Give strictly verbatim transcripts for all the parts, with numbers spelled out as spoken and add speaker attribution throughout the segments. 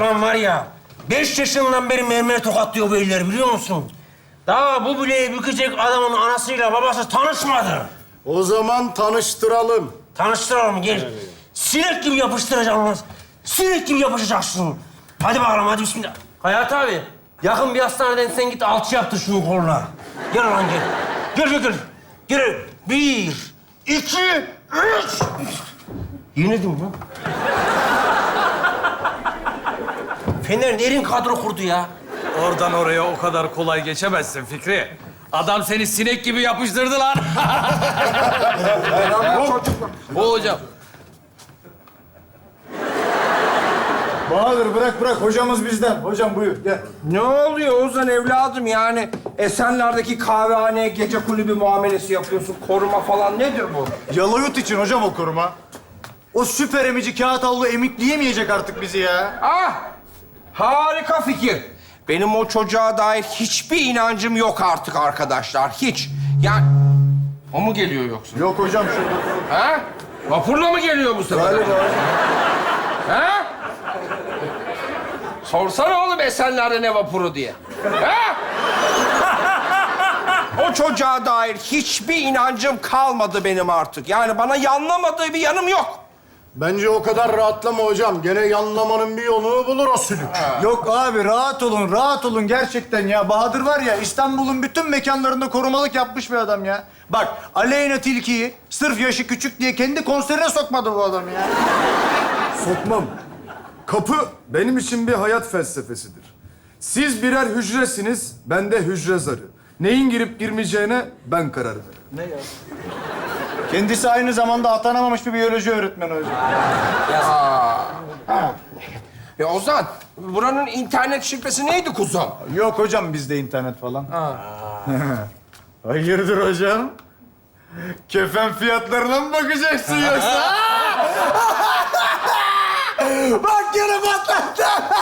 Speaker 1: Ulan var ya, beş yaşından beri mermer tokatlıyor bu eller biliyor musun? Daha bu bileği bükecek adamın anasıyla babası tanışmadı.
Speaker 2: O zaman tanıştıralım.
Speaker 1: Tanıştıralım gel. Sinek gibi yapıştıracağım lan. Sinek gibi yapışacaksın. Hadi bakalım hadi bismillah. Hayat abi, yakın bir hastaneden sen git alçı yaptır şunun koluna. Gel lan gel. Gel gel gel. Gel. Bir, iki, üç. Yenildim lan. Fener derin kadro kurdu ya.
Speaker 3: Oradan oraya o kadar kolay geçemezsin Fikri. Adam seni sinek gibi yapıştırdı lan. O hocam.
Speaker 4: Bahadır bırak bırak. Hocamız bizden. Hocam buyur gel.
Speaker 5: Ne oluyor Ozan evladım yani? Esenler'deki kahvehaneye gece kulübü muamelesi yapıyorsun. Koruma falan nedir bu?
Speaker 4: Yalayut için hocam o koruma. O süper emici kağıt havlu emikleyemeyecek artık bizi ya.
Speaker 5: Ah! Harika fikir. Benim o çocuğa dair hiçbir inancım yok artık arkadaşlar. Hiç. Yani... O mu geliyor yoksa?
Speaker 4: Yok hocam şurada.
Speaker 5: Ha? Vapurla mı geliyor bu sefer?
Speaker 4: Galiba hocam.
Speaker 5: Ha? Sorsana oğlum Esenler'de ne vapuru diye. Ha? O çocuğa dair hiçbir inancım kalmadı benim artık. Yani bana yanlamadığı bir yanım yok.
Speaker 2: Bence o kadar rahatlama hocam. Gene yanlamanın bir yolunu bulur o sülük.
Speaker 4: Yok abi rahat olun, rahat olun gerçekten ya. Bahadır var ya İstanbul'un bütün mekanlarında korumalık yapmış bir adam ya. Bak Aleyna Tilki'yi sırf yaşı küçük diye kendi konserine sokmadı bu adam ya.
Speaker 6: Sokmam. Kapı benim için bir hayat felsefesidir. Siz birer hücresiniz, ben de hücre zarı. Neyin girip girmeyeceğine ben karar veririm.
Speaker 4: Kendisi aynı zamanda atanamamış bir biyoloji öğretmeni hocam.
Speaker 5: Ya Ozan, buranın internet şifresi neydi kuzum?
Speaker 4: Yok hocam bizde internet falan. Hayırdır hocam? Kefen fiyatlarına mı bakacaksın yoksa? Bak yine patlattı.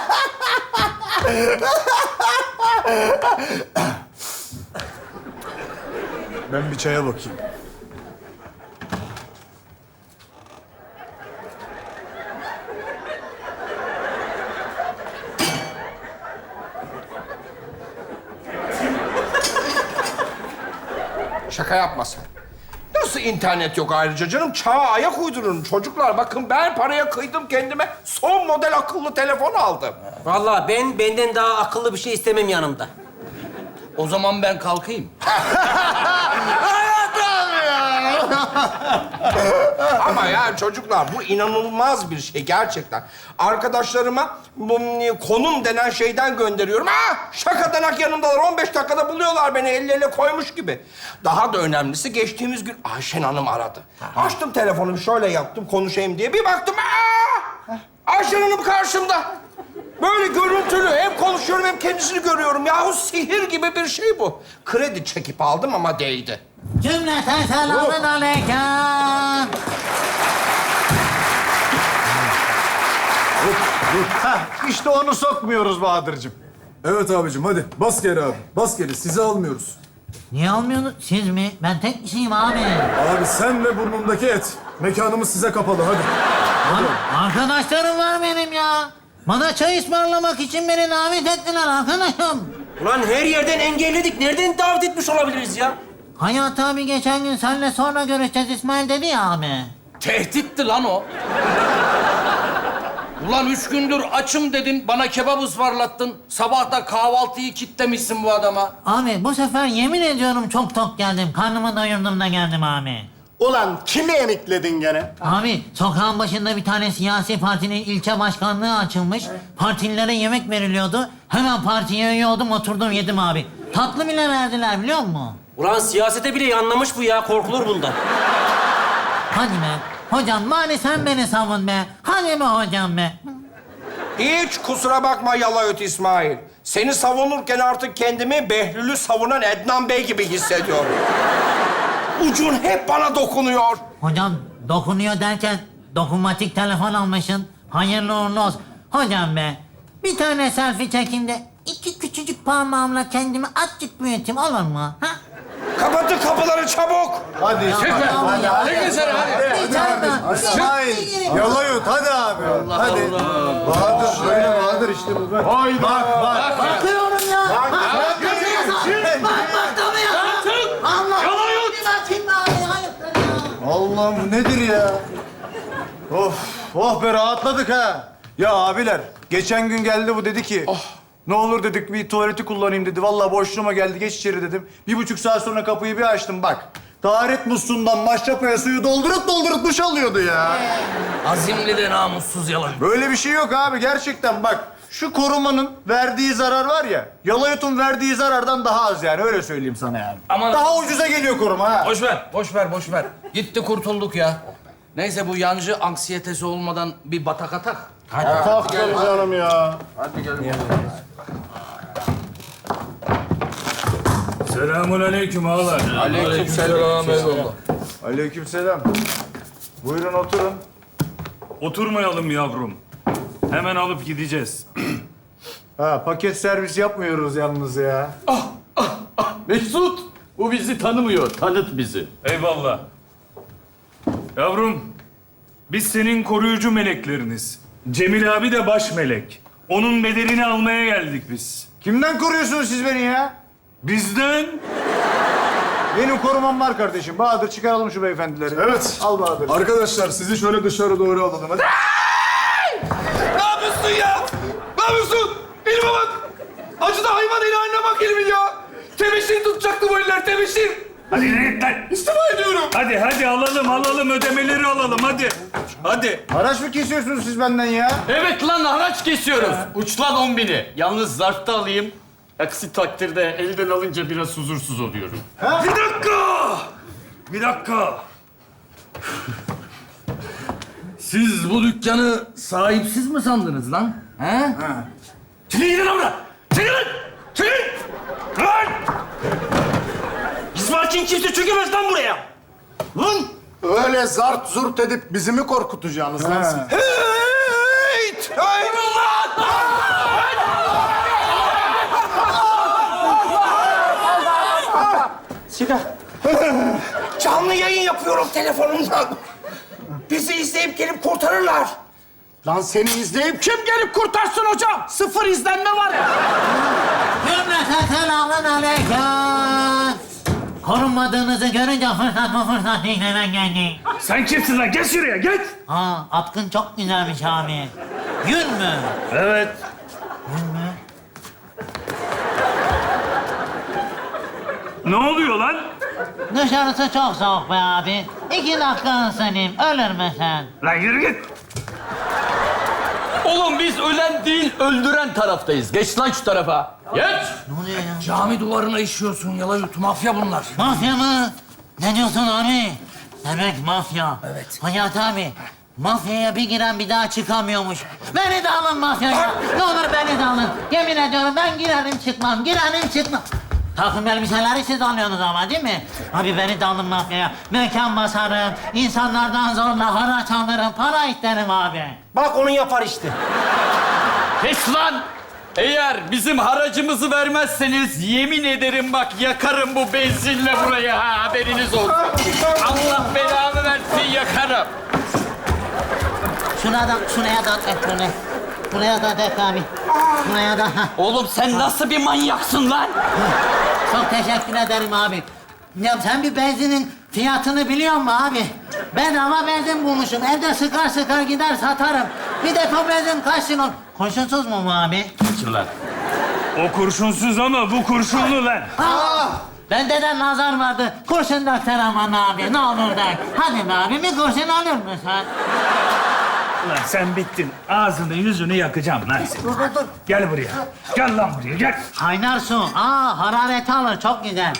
Speaker 4: Ben bir çaya bakayım.
Speaker 5: Şaka yapma sen. Nasıl internet yok ayrıca canım? Çağa ayak uydurun çocuklar. Bakın ben paraya kıydım kendime. Son model akıllı telefon aldım.
Speaker 1: Vallahi ben benden daha akıllı bir şey istemem yanımda.
Speaker 3: O zaman ben kalkayım.
Speaker 5: Ama ya çocuklar bu inanılmaz bir şey gerçekten. Arkadaşlarıma bu konum denen şeyden gönderiyorum. Ha, şakadanak yanımdalar. on beş dakikada buluyorlar beni elleriyle koymuş gibi. Daha da önemlisi geçtiğimiz gün Ayşen Hanım aradı. Açtım telefonumu şöyle yaptım konuşayım diye. Bir baktım aa! Ayşen Hanım karşımda. Böyle görüntülü hem konuşuyorum hem kendisini görüyorum. Yahu sihir gibi bir şey bu. Kredi çekip aldım ama değdi.
Speaker 7: Cümleten selamun aleyküm.
Speaker 4: Hah, işte onu sokmuyoruz Bahadır'cığım.
Speaker 6: Evet abicim hadi bas geri abi. Bas geri sizi almıyoruz.
Speaker 7: Niye almıyorsunuz? Siz mi? Ben tek kişiyim abi.
Speaker 6: Abi sen ve burnumdaki et. Mekanımız size kapalı hadi.
Speaker 7: Ar- Arkadaşlarım var benim ya. Bana çay ısmarlamak için beni davet ettiler arkadaşım.
Speaker 1: Ulan her yerden engelledik. Nereden davet etmiş olabiliriz ya?
Speaker 7: Hayat abi geçen gün seninle sonra görüşeceğiz İsmail dedi ya abi.
Speaker 3: Tehditti lan o. Ulan üç gündür açım dedin, bana kebap ısmarlattın. Sabah da kahvaltıyı kitlemişsin bu adama.
Speaker 7: Abi bu sefer yemin ediyorum çok tok geldim. Karnımı doyurdum da geldim abi.
Speaker 2: Ulan kimi emikledin gene?
Speaker 7: Abi sokağın başında bir tane siyasi partinin ilçe başkanlığı açılmış. Partililere yemek veriliyordu. Hemen partiye üye oldum oturdum yedim abi. Tatlı bile verdiler biliyor musun?
Speaker 1: Ulan siyasete bile yanlamış bu ya. Korkulur bundan.
Speaker 7: Hadi be. Hocam bari sen beni savun be. Hadi be hocam be.
Speaker 5: Hiç kusura bakma Yalayut İsmail. Seni savunurken artık kendimi Behlül'ü savunan Ednan Bey gibi hissediyorum. Ucun hep bana dokunuyor.
Speaker 7: Hocam dokunuyor derken dokunmatik telefon almışsın. Hayırlı uğurlu olsun. Hocam be. Bir tane selfie çekeyim de iki küçücük parmağımla kendimi azıcık büyüteyim olur mu? Ha?
Speaker 5: Kapatın kapıları çabuk.
Speaker 4: Hadi İsmail. Hadi, hadi.
Speaker 3: Ne güzel hadi.
Speaker 4: İsmail. Yalayut hadi abi. Hadi. Bahadır böyle Bahadır işte bu. Bak bak. bak.
Speaker 7: Bakıyorum ya. Bak bak bak bak tanıyor. Allah. Yalayut.
Speaker 4: Allah'ım bu nedir ya? Of, oh be rahatladık ha. Ya abiler, geçen gün geldi bu dedi ki... Ne olur dedik bir tuvaleti kullanayım dedi. Vallahi boşluğuma geldi, geç içeri dedim. Bir buçuk saat sonra kapıyı bir açtım bak. Taharet musluğundan maşrapaya suyu doldurup doldurup duş alıyordu ya.
Speaker 3: Azimli de namussuz yalan.
Speaker 4: Böyle bir şey yok abi gerçekten bak. Şu korumanın verdiği zarar var ya, Yalayut'un verdiği zarardan daha az yani öyle söyleyeyim sana yani.
Speaker 3: Ama-
Speaker 4: Daha ucuza geliyor koruma ha.
Speaker 3: Boş ver, boş ver, boş ver. Gitti kurtulduk ya. Neyse bu yancı anksiyetesi olmadan bir batak atak.
Speaker 2: Tak tabii canım ya.
Speaker 8: Selamun aleyküm ağalar.
Speaker 3: Aleykümselam eyvallah.
Speaker 4: Aleykümselam. Buyurun oturun.
Speaker 8: Oturmayalım yavrum. Hemen alıp gideceğiz.
Speaker 4: Ha paket servis yapmıyoruz yalnız ya.
Speaker 9: Mesut, bu bizi tanımıyor. Tanıt bizi.
Speaker 8: Eyvallah. Yavrum, biz senin koruyucu melekleriniz. Cemil abi de baş melek. Onun bedelini almaya geldik biz.
Speaker 4: Kimden koruyorsunuz siz beni ya?
Speaker 8: Bizden?
Speaker 4: Benim korumam var kardeşim. Bahadır çıkaralım şu beyefendileri.
Speaker 6: Evet.
Speaker 4: Al Bahadır.
Speaker 6: Arkadaşlar sizi şöyle dışarı doğru alalım. Hadi.
Speaker 5: Ne yapıyorsun ya? Ne yapıyorsun? Elime bak. Acıda hayvan eli haline bak elimin ya. Tebeşir tutacaktı bu eller, tebeşir.
Speaker 8: Hadi yürü git lan.
Speaker 5: İstifa ediyorum.
Speaker 8: Hadi hadi alalım alalım ödemeleri alalım hadi. Hadi.
Speaker 4: Haraç mı kesiyorsunuz siz benden ya?
Speaker 9: Evet lan haraç kesiyoruz. Uç lan on bini. Yalnız zarfta alayım. Aksi takdirde elden alınca biraz huzursuz oluyorum.
Speaker 8: Bir dakika. Bir dakika.
Speaker 3: Siz bu dükkanı sahipsiz mi sandınız lan? He?
Speaker 8: Çekil gidin orada. Çekil lan. Çekil. Lan.
Speaker 1: İsmail kimse çökemez lan buraya. Lan.
Speaker 2: Öyle zart zurt edip bizi mi korkutacaksınız lan siz?
Speaker 5: Hey! Hey! Canlı yayın yapıyorum telefonumdan. Bizi izleyip gelip kurtarırlar.
Speaker 2: Lan seni izleyip kim gelip kurtarsın hocam? Sıfır izlenme var ya.
Speaker 7: Cümleten selamun aleyküm. Korunmadığınızı görünce fırsat bu fırsat değil hemen geldi.
Speaker 8: Sen kimsin lan? Geç şuraya geç.
Speaker 7: Aa, atkın çok güzelmiş abi. Gül mü?
Speaker 8: Evet. Ne oluyor lan?
Speaker 7: Dışarısı çok soğuk be abi. İki dakika ısınayım, ölür müsün?
Speaker 8: Lan yürü git.
Speaker 9: Oğlum biz ölen değil, öldüren taraftayız. Geç lan şu tarafa. Geç.
Speaker 7: Ne oluyor ya?
Speaker 3: Cami duvarına işiyorsun Yalayut. Mafya bunlar.
Speaker 7: Mafya mı? Ne diyorsun abi? Demek mafya.
Speaker 3: Evet.
Speaker 7: Hayat abi, mafyaya bir giren bir daha çıkamıyormuş. Beni de alın mafyaya. Ne olur beni de alın. Yemin ediyorum ben girerim çıkmam, girerim çıkmam. Takım elbiseleri siz alıyorsunuz ama değil mi? Abi beni de alın mafyaya. Mekan basarım, insanlardan zorla haraç alırım, para isterim abi.
Speaker 1: Bak onu yapar işte.
Speaker 9: Kes lan. Eğer bizim haracımızı vermezseniz yemin ederim bak yakarım bu benzinle buraya ha haberiniz olsun. Allah belamı versin yakarım.
Speaker 7: Şuna da, şuraya da et bunu. Buraya da dök abi. Buraya da. ha.
Speaker 9: Oğlum sen nasıl bir manyaksın lan?
Speaker 7: Çok teşekkür ederim abi. Ya sen bir benzinin fiyatını biliyor musun abi? Bedava benzin bulmuşum. Evde sıkar sıkar gider satarım. Bir depo benzin kaç kilo? Kurşunsuz mu bu abi?
Speaker 9: Lan.
Speaker 8: O kurşunsuz ama bu kurşunlu lan.
Speaker 7: Aa! Bende de nazar vardı. Kurşun döksen aman abi. Ne olur dök. Hadi be abi bir kurşun alır mısın?
Speaker 8: Lan sen bittin. Ağzını yüzünü yakacağım lan seni.
Speaker 7: Dur dur dur.
Speaker 8: Gel buraya. Gel lan buraya gel.
Speaker 7: Kaynar su. Aa harareti alır. Çok güzel.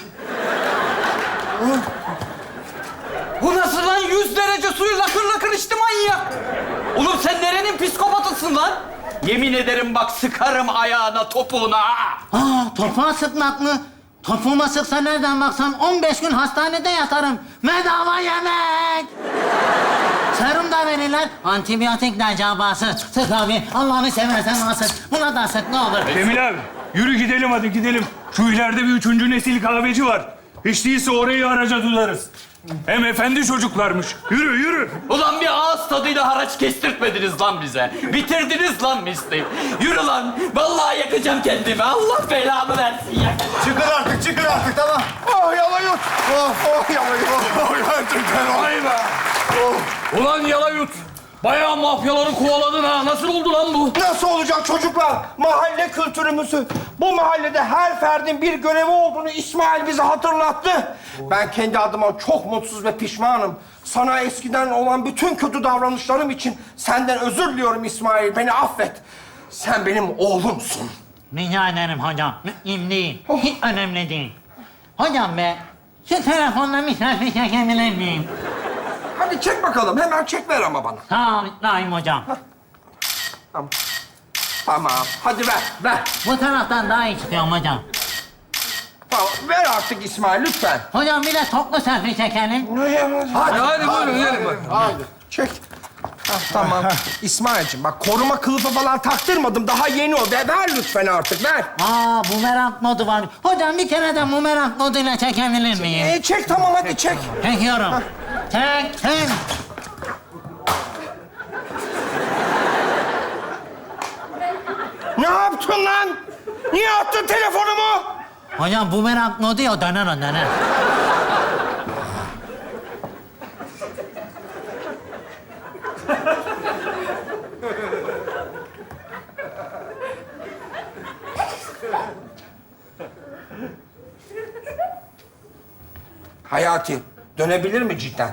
Speaker 9: Bu nasıl lan? Yüz derece suyu lakır lakır içti manyak. Oğlum sen nerenin psikopatısın lan? Yemin ederim bak sıkarım ayağına topuğuna. ha!
Speaker 7: Aa topuğa sıkmak mı? Topuğuma sıksa nereden baksan on beş gün hastanede yatarım. Bedava yemek. Serum da verirler. Antibiyotik de cabası. Sık abi. Allah'ını seversen ona sık. Buna da sık ne olur.
Speaker 8: Cemil abi yürü gidelim hadi gidelim. Şu ileride bir üçüncü nesil kahveci var. Hiç değilse orayı haraca tutarız. Hem efendi çocuklarmış. Yürü, yürü.
Speaker 9: Ulan bir ağız tadıyla haraç kestirtmediniz lan bize. Bitirdiniz lan misli. Yürü lan. Vallahi yakacağım kendimi. Allah belamı versin ya.
Speaker 4: Çıkın artık, çıkın artık, tamam.
Speaker 5: Oh yalayut. Oh, oh yalayut. Oh gerçekten.
Speaker 3: Vay be. Ulan Yalayut. Bayağı mafyaları kovaladın ha. Nasıl oldu lan bu?
Speaker 5: Nasıl olacak çocuklar? Mahalle kültürümüzü. Bu mahallede her ferdin bir görevi olduğunu İsmail bize hatırlattı. Ben kendi adıma çok mutsuz ve pişmanım. Sana eskiden olan bütün kötü davranışlarım için senden özür diliyorum İsmail. Beni affet. Sen benim oğlumsun.
Speaker 7: Rica ederim hocam. Mühim değil. Hiç önemli değil. Hocam be, şu telefonla misafir çekebilir miyim?
Speaker 5: Hadi çek bakalım. Hemen çek ver ama bana.
Speaker 7: Sağ ol İbrahim hocam.
Speaker 5: Tamam. Tamam. Hadi ver, ver.
Speaker 7: Bu taraftan daha iyi çıkıyorum hocam.
Speaker 5: Tamam. Ver artık İsmail lütfen.
Speaker 7: Hocam bir de toplu selfie çekelim.
Speaker 5: Hadi,
Speaker 3: Hadi buyurun gelin bak.
Speaker 2: Haydi.
Speaker 5: çek. Hah, tamam. İsmail'cim bak koruma kılıfı falan taktırmadım. Daha yeni o. Ver, ver lütfen artık, ver.
Speaker 7: Aa, bumerang modu var. Hocam bir kere de bumerang moduyla çekebilir miyim?
Speaker 5: Ee, çek tamam hadi çek.
Speaker 7: Çekiyorum. Çektim.
Speaker 5: Ne yaptın lan? Niye attın telefonumu?
Speaker 7: Hocam bumerang modu ya, döner o döner.
Speaker 5: Hayati, dönebilir mi cidden?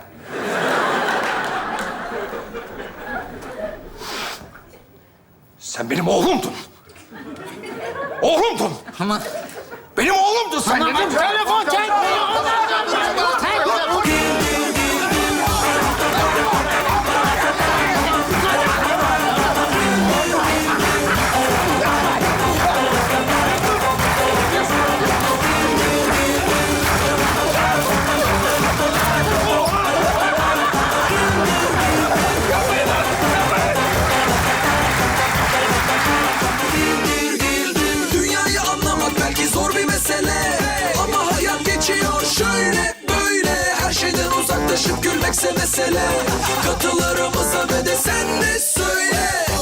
Speaker 5: Sen benim oğlumdun. Oğlumdun.
Speaker 7: Ama
Speaker 5: Benim oğlumdun sen.
Speaker 7: Ama
Speaker 5: dedim.
Speaker 7: telefon çekmiyor.
Speaker 10: Dünyayı anlamak belki zor bir mesele, ama hayat geçiyor şöyle böyle. Her şeyden uzaklaşıp gülmekse mesele. Katılarımıza ve de sen de söyle.